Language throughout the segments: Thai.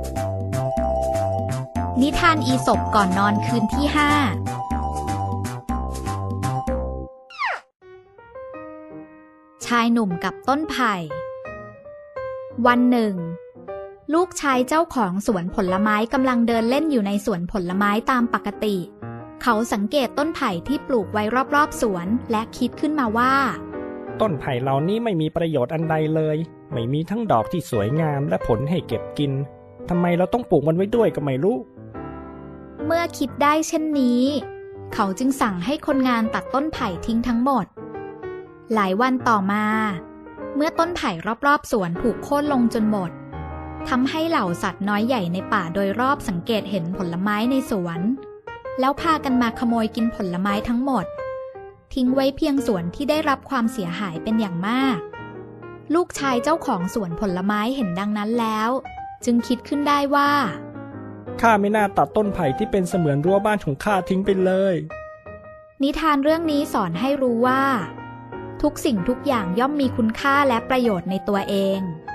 นิทานอีสปก่อนนอนคืนที่ 5ชายหนุ่มกับต้นไผ่วันหนึ่งลูกชายเจ้าของสวนผลไม้กำลังเดินเล่นอยู่ในสวนผลไม้ตามปกติเขาสังเกตต้นไผ่ที่ปลูกไว้รอบๆสวนและคิดขึ้นมาว่าต้นไผ่เหล่านี้ไม่มีประโยชน์อันใดเลยไม่มีทั้งดอกที่สวยงามและผลให้เก็บกินทำไมเราต้องปลูกมันไว้ด้วยก็ไม่รู้เมื่อคิดได้เช่นนี้เขาจึงสั่งให้คนงานตัดต้นไผ่ทิ้งทั้งหมดหลายวันต่อมาเมื่อต้นไผ่รอบๆสวนถูกโค่นลงจนหมดทำให้เหล่าสัตว์น้อยใหญ่ในป่าโดยรอบสังเกตเห็นผลไม้ในสวนแล้วพากันมาขโมยกินผลไม้ทั้งหมดทิ้งไว้เพียงส่วนที่ได้รับความเสียหายเป็นอย่างมากลูกชายเจ้าของสวนผลไม้เห็นดังนั้นแล้วจึงคิดขึ้นได้ว่าข้าไม่น่าตัดต้นไผ่ที่เป็นเสมือนรั้วบ้านของข้าทิ้งไปเลยนิทานเรื่องนี้สอนให้รู้ว่าทุกสิ่งทุกอย่างย่อมมีคุณค่าและประโยชน์ในตัวเอง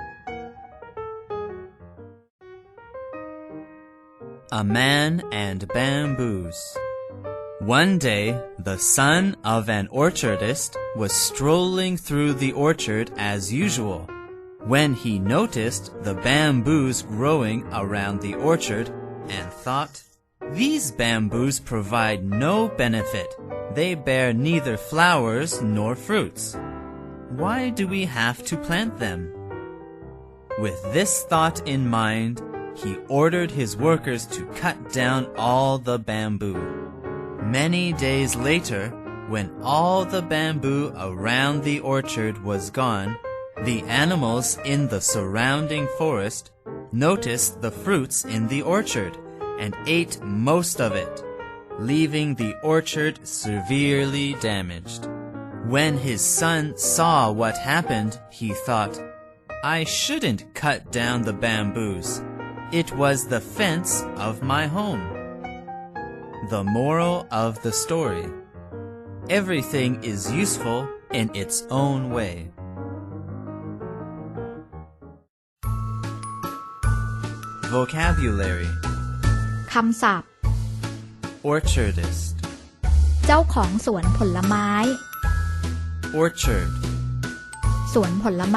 A man and bamboos. One day, the son of an orchardist was strolling through the orchard as usual, when he noticed the bamboos growing around the orchard and thought, "These bamboos provide no benefit. They bear neither flowers nor fruits. Why do we have to plant them?" With this thought in mind, he ordered his workers to cut down all the bamboo. Many days later, when all the bamboo around the orchard was gone, the animals in the surrounding forest noticed the fruits in the orchard and ate most of it, leaving the orchard severely damaged. When his son saw what happened, he thought, "I shouldn't cut down the bamboos. It was the fence of my home." The moral of the story: everything is useful in its own way. Vocabulary: คำศัพท์ orchardist เจ้าของสวนผลไม้ orchard สวนผลไม้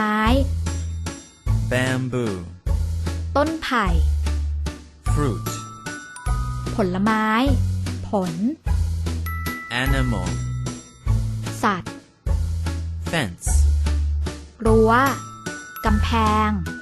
bamboo ต้นไผ่ fruit ผลไม้ผล animal สัตว์ fence รั้วกำแพง